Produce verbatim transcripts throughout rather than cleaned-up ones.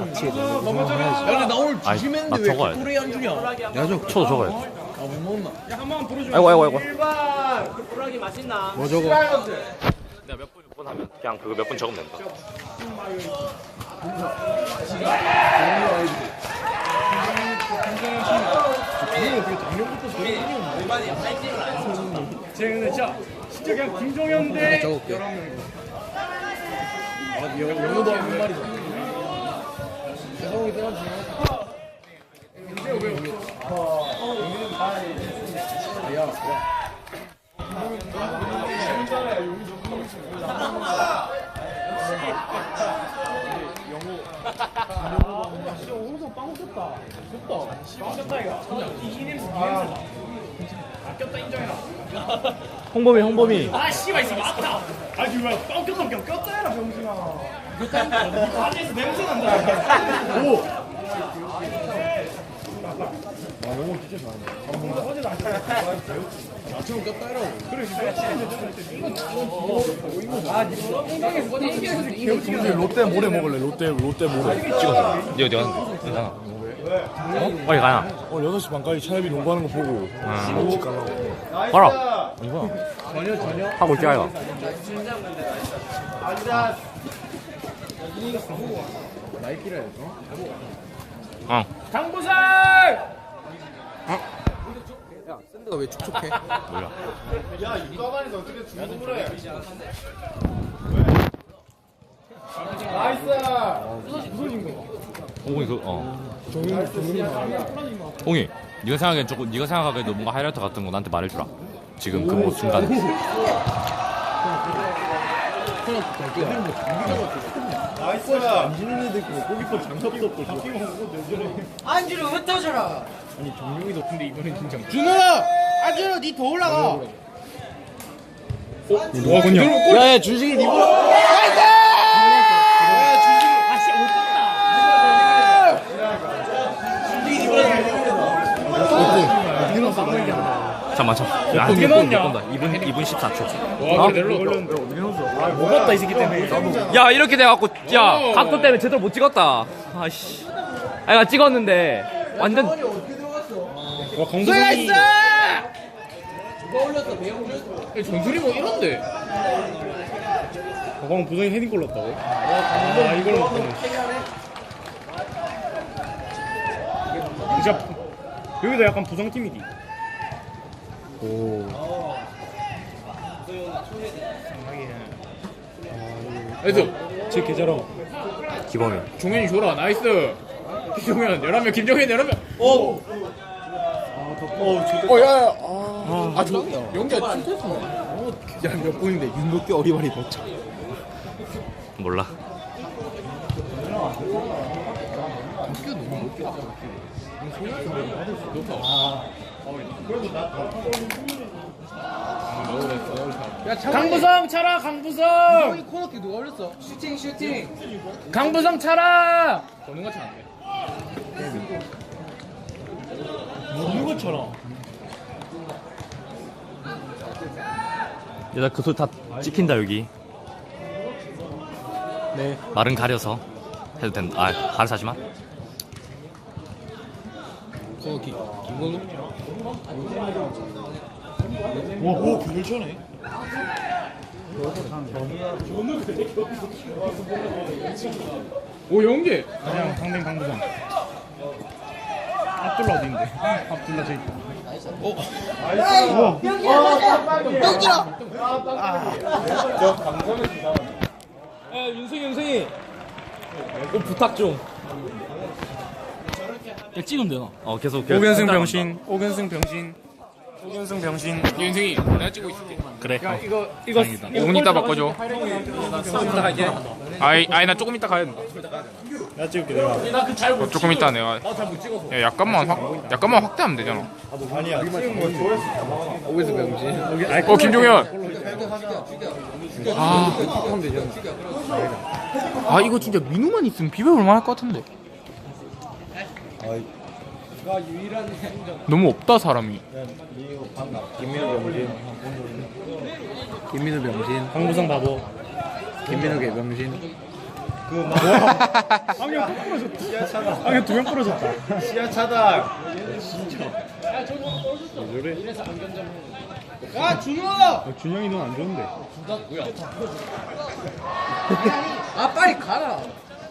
같이 넘어져야지. 야 근데 나 오늘 주심했는데 왜 코레이 안 주냐? 야저 쳐도 적어야 돼. 아못 먹나? 야 한번 부르줘. 아이고 아이고 아이고. 일반 불고기 맛있나? 뭐 저거? 내가 몇 분, 몇 분 하면 그냥 그거 몇 분 적으면 된다. 쟤 근데 진짜 진짜 그냥 김종현 대 적을게. 열한 명이고. 아 영어도 한 말이죠. 세상이 때가 중요하다. 야, 야. 진짜 오른손 빵 쳤다. 쳤다. 빵 쳤다 이거. 이기는 이기는. 아꼈다 인정해라. 홍범이 홍범이. 아 씨발 있어 맞다. 아니 왜 빵 꼈다 꼈 꼈다 해라 병신아. 안에서 냄새 난다. 오. 아 영어 진짜 잘한다. 나처럼 꼈다 해라고. 그래 평소에 롯데 모래 먹을래? 롯데 롯데 모래. 찍어서. 니 어디 가는데? 괜찮아. 어? 빨리 가나? 오늘 여섯 시 반까지 차협이 농구하는 거 보고 집 가려고. 가라. 이거 전혀 전혀. 하고 있지 아이가. 나이키라 해서. 어. 강부살. 야 샌드가 왜 촉촉해? 몰라. 홍이 그 어. 홍이. 네가 생각하기엔 조금 네가 생각하기에도 뭔가 하이라이트 같은 거 나한테 말해주라. 지금 그 뭐 순간에. 안지는 애들 있고 골키퍼 장갑도 없고 안주를 흩어져라. 아니 정용이도 근데 이번엔 진짜 준호야, 안주로 니 더 올라가. 누가 그냥 야야 준식이 니 보라 아씨 못 봤다. 잠깐만 잠깐만. 야, 어떻게 넣었냐? 이 분 이 분 십사 초. 와 그래 넬로 못 봤다 이 새끼 때문에. 야 이렇게 돼갖고 야 각도 때문에 제대로 못 찍었다. 아씨. 아이가 찍었는데 완전 와 강도성이. 전술이 뭐 이런데. 가방 부성이 헤딩 골 넣었다고? 아 이걸 넣었다네. 진짜 여기도 약간 부성팀이디. 나이스. 제 계좌로 기범이. 종현이 줘라. 나이스. 김종현 열한 명. 김종현 열한 명. 오. 어 야야 아 저 영기야 칭찬했어. 야몇 분인데 윤덕기 어리바리 넣자. 몰라. 강부성 차라. 강부성. 코너킥 누가 올렸어? 슈팅 슈팅. 강부성 차라. 보는 것처럼 안 돼. 보는 것처럼. 얘들아 그 소리 다 찍힌다 여기. 네. 말은 가려서 해도 된다. 아 가려서 하지마. 코너킥 김건우. 와오 그걸 쳐네. 오 연계. 그냥 상대 강부성. 압둘라 어디인데? 압둘라 저기. 야 윤승이 윤승이. 꼭 부탁 좀. 야 찍으면 되나? 어 계속. 오견승 병신. 오견승 병신. 오견승 병신. 윤승이 내가 찍고 있을게. 그래. 야 이거 이거 오 분 이따 바꿔줘. 이따 갈게. 아이 아이 나 조금 이따 가야 된다. 내가 찍을게 내가. 어, 조금 이따 내가. 야 약간만 확 약간만 확대하면 되잖아. 아니야 찍은 거 좋아했어. 오견승 병신. 어 김종현. 아. 아 이거 진짜 민우만 있으면 비벼볼 만할 것 같은데. 너무 없다 사람이. 김민우 병신. 김민우 병신. 강부성 바보. 김민우 개병신. 안경 또 부러졌다. 안경 두 명 부러졌다. 시야 차단. 야 준호. 어, 준영이 넌 안 좋은데. 아 빨리 가라.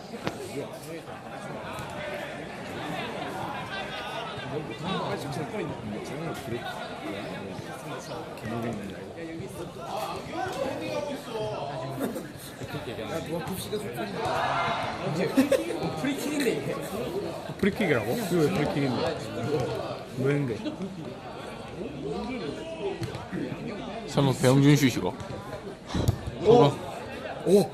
프리킥인데 이게. 프리킥이라고? 이거 왜 프리킥인데? 뭐 했는데? 설마 배영준 슛이가? 오! 오!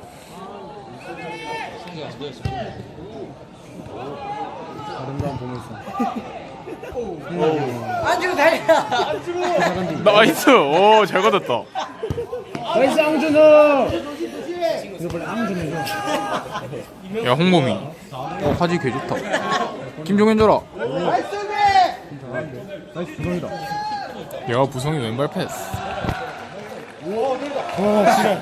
아름다운 보물선. 안주로 달려. 나이스. 오, 잘 받았다. 나이스 앙준호! 이거 원래 앙준호죠? 야, 홍범이. 어, 화질 개 좋다. 김종현 줘라. 나이스 부성이다. 야, 부성이 왼발 패스. 어, 싫어.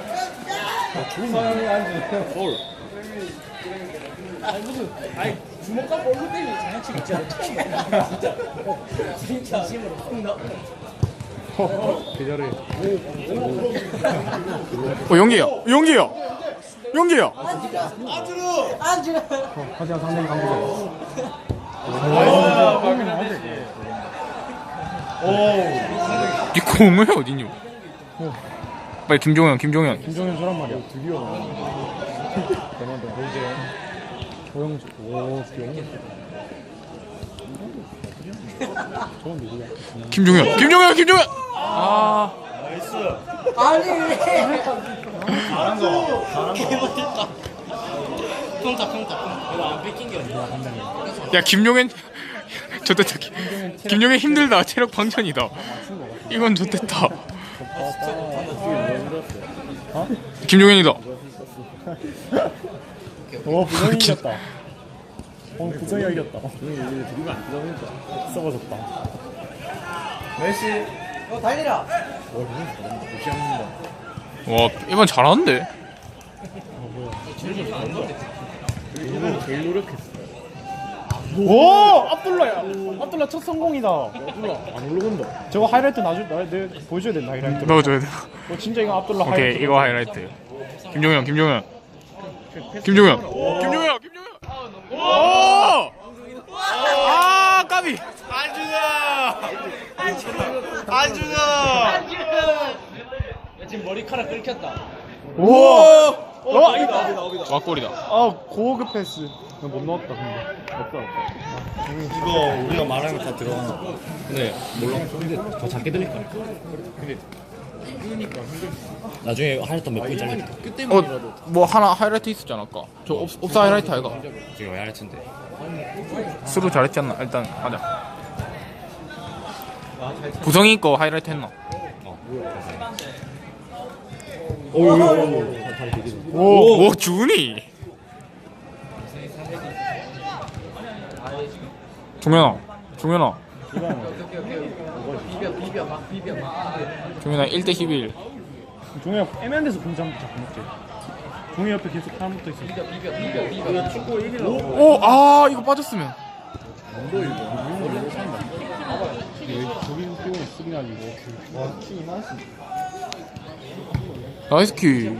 아니 주먹 갖고 얼굴 때리는 장난치기 진짜 처음 봐. 진짜 진짜 진심으로 나. 계절에. 어, 용기야. 용기야. 용기야. 안주로. 어, 하지만 상당히 강조해. 니 공을 어디니? 빨리 김종현, 김종현. 김종현 저란 말이야. 드디어. 대만도 이제 조영수. 오, 조영수. 저건 누구야? 김종현, 김종현, 김종현. 아, 아니. 잘한 거. 잘한 거. 평타 평타. 이거 안 뺏긴 게 아니야. 야, 김종현. 좋됐다. 김종현 힘들다. 체력 방전이다. 이건 좋됐다. 김종현이다. 오, 부성이 이겼다. 오늘 부성이가 이겼다. 부성이 이제 드리블 안 들어가니까 썩어졌다. 메시. 너 달리라. 와, 이번 잘하는데? 제일 노력했어. 오! 압둘라야! 압둘라 첫 성공이다. 압둘라 안 올라간다. 저거 하이라이트 나중 나 내가 보여줘야 된다 하이라이트. 넣어줘야 돼. 어 진짜 이거 압둘라 오케이, 하이라이트. 이거 하이라이트. 김종현, 김종현. 김종현. 김종현, 김종현. 오! 아, 까비. 지금 머리카락 긁혔다. 우와! 어, 이거 와, 골이다. 아 고급 패스. 못 넣었다 근데. 없다 없다. 이거 우리가 말하는 거 다 들어가나? 근데 몰라. 근데 더 작게 들릴까? 근데 나중에 하이라이트 몇 분 잘릴까? 어, 뭐 하나 하이라이트 있었잖아, 아까. 저 옵, 옵사 하이라이트 아이가? 지금 하이라이트인데. 스루 잘했지 않나? 일단 하자. 부성이 거 하이라이트 했나? 오, 오, 준이. 종현아, 종현아. 비벼 비벼 막 비벼 막. 종현아 일 대 십일. 종이야 애매한 데서 공장 자꾸 먹지. 종이 옆에 계속 사람 붙어 있어. 비벼 비벼 비벼 비벼. 축구 이기려고. 오, 아, 이거 빠졌으면. 저기 뛰어는 쓰긴 아니고. 와, 키 이만했어. 나이스 키.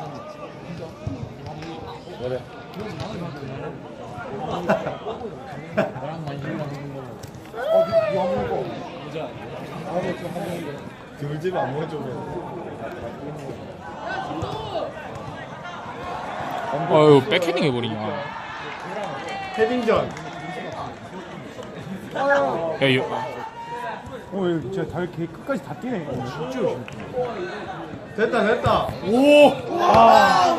드물집에 안 보여줘. 아유, 백헤딩 해버리냐. 헤딩전. 야, 이거. 어, 얘 진짜 달 개 끝까지 다 뛰네. 어, 진짜 열심히. 됐다 됐다. 오! 아!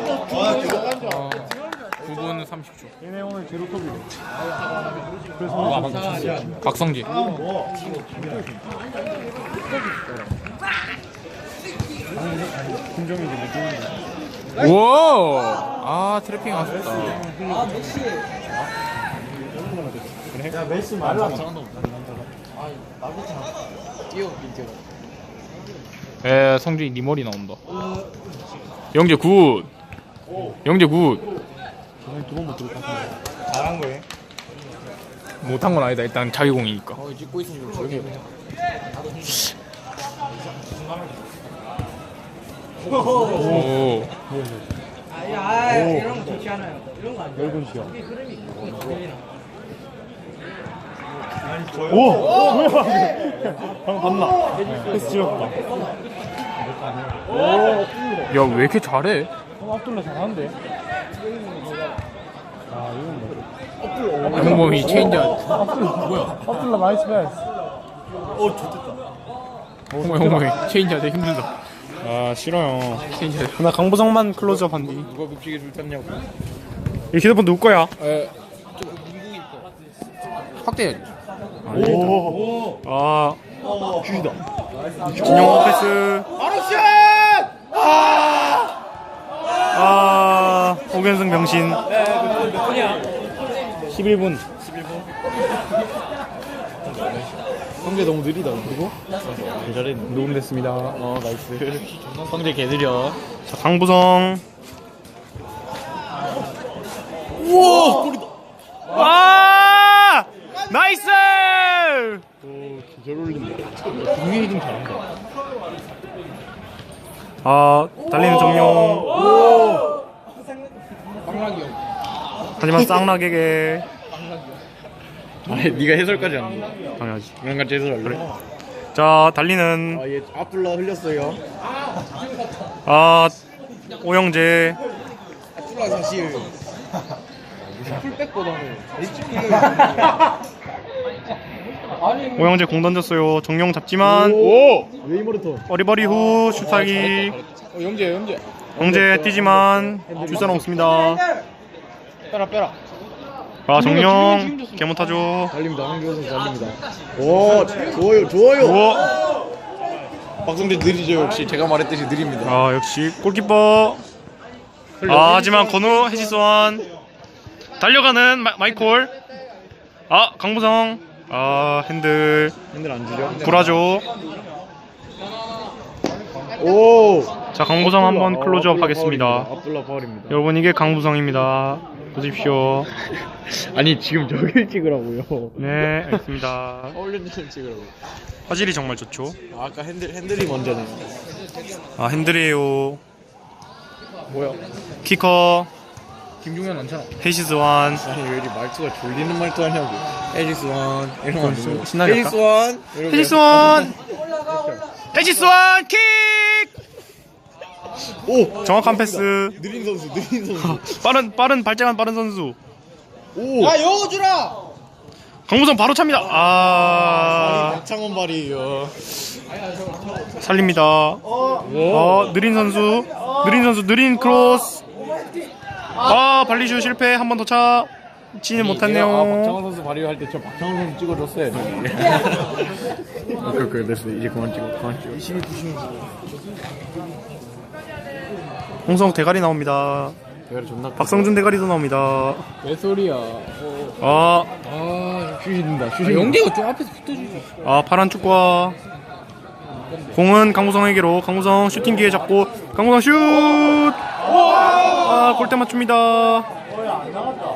구 분 삼십 초. 얘네 오늘 제로톱이래. 그래서 박성지. 김정이 이제 못 뛰는데. 우와! 아, 트래핑 아쉽다. 아 메시. 야 메시 말라. 아 나부터 뛰어 뛰어. 에, 성준이 니 머리 나온다. 영재 굿. 영재 굿. 두번 못 들었다. 잘한 거예요? 못한 건 아니다. 일단 자기 공이니까. 어, 찍고 있으면 좀 조용히 해보자. 오. 아, 이런 거 좋지 않아요. 이런 거 아니에요. 넓은 시야. 오! 뭐야 방금 봤나? 패스 찍었다. 야, 왜 이렇게 잘해? 어, 압둘라 잘하는데? 아, 이건 뭐. 홍범이 체인저. 뭐야? 압둘라 나이스 패스. 어, 좋겠다. 홍범이, 홍범이 체인저 되게 힘들다. 아, 싫어요. 체인저. 나 강보성만 클로즈업 한디. 누가 묵직에 줄 탔냐고. 이 휴대폰 누구 거야? 에, 좀 미국인 거. 확대해야지. 오. 아. 슛이다. 진영호 패스. 바로 슛! 아! 아, 오견승 병신. 십일 분. 성재 너무 느리다. 그리고 잘했네. 녹음됐습니다. 어, 나이스. 성재 개 느려. 자, 강부성. 우와! 골이다. 아! 나이스! 잘 어울린다. 동민이 좀 잘한다. 아, 달리는 정용. 빵락이 형. 하지만 쌍락에게. 아니, 네가 해설까지 하는 거야. 당연하지. 이랑 같이 해설할래? 자, 달리는. 아, 얘 압둘라 흘렸어요. 아, 오영재. 압둘라 사실 풀백보다는 오영재 공 던졌어요. 정용 잡지만. 오! 웨이머르톤. 어리버리 후 슛하기. 어, 영재, 영재. 영재 뛰지만 줄 사람 없습니다. 빼라, 빼라. 아, 정용 개 못하죠. 달립니다. 황교호 선수 달립니다. 오, 좋아요, 좋아요. 우와. 박성재 느리죠, 역시. 제가 말했듯이 느립니다. 아, 역시 골키퍼. 아, 하지만 건우 해지수원 달려가는 마, 마이콜. 아, 강부성. 아, 핸들 핸들 안 주죠? 불하죠. 오! 자, 강부성 한번 클로즈업 하겠습니다. 압둘라 파울입니다. 여러분, 이게 강부성입니다. 보십시오. 아니, 지금 저길 찍으라고요. 네, 알겠습니다. 어울리는 좀 찍으라고. 화질이 정말 좋죠. 아, 아까 핸들, 핸들이 먼저네요. 아, 핸들이에요. 뭐야? 키커 김종현 많잖아. 해시스완. 아니, 왜 이리 말투가 졸리는 말투 하냐고. 에지스원. 이런 거 신- 신나게 할까? 에지스원. 해시스완. 해시스완 킥. 오! 정확한 패스. 느린 선수, 느린 선수. 빠른 빠른 발재간 빠른 선수. 오! 야, 여주라! 강무성 바로 찹니다. 아, 박창원 발이에요. 살립니다. 어, 느린 선수. 느린 선수 느린 크로스. 아, 발리슛 실패. 한 번 더 차. 치는 아, 박창원 못했네요. 선수 발휘할 때 저 박창원 선수 찍어줬어요. 오케이, 오케이, 됐어. 이제 그만 찍어, 그만 찍어. 이십이, 구십. 홍성 대가리 나옵니다. 대가리 존나. 박성준 대가리도 나옵니다. 왜 소리야? 아, 아, 슛인다, 슛. 영재가 좀 앞에서 붙어주지. 아, 파란 축구와 공은 강무성에게로. 강무성 슈팅 기회 잡고 강무성 슛. 아, 골대 맞춥니다.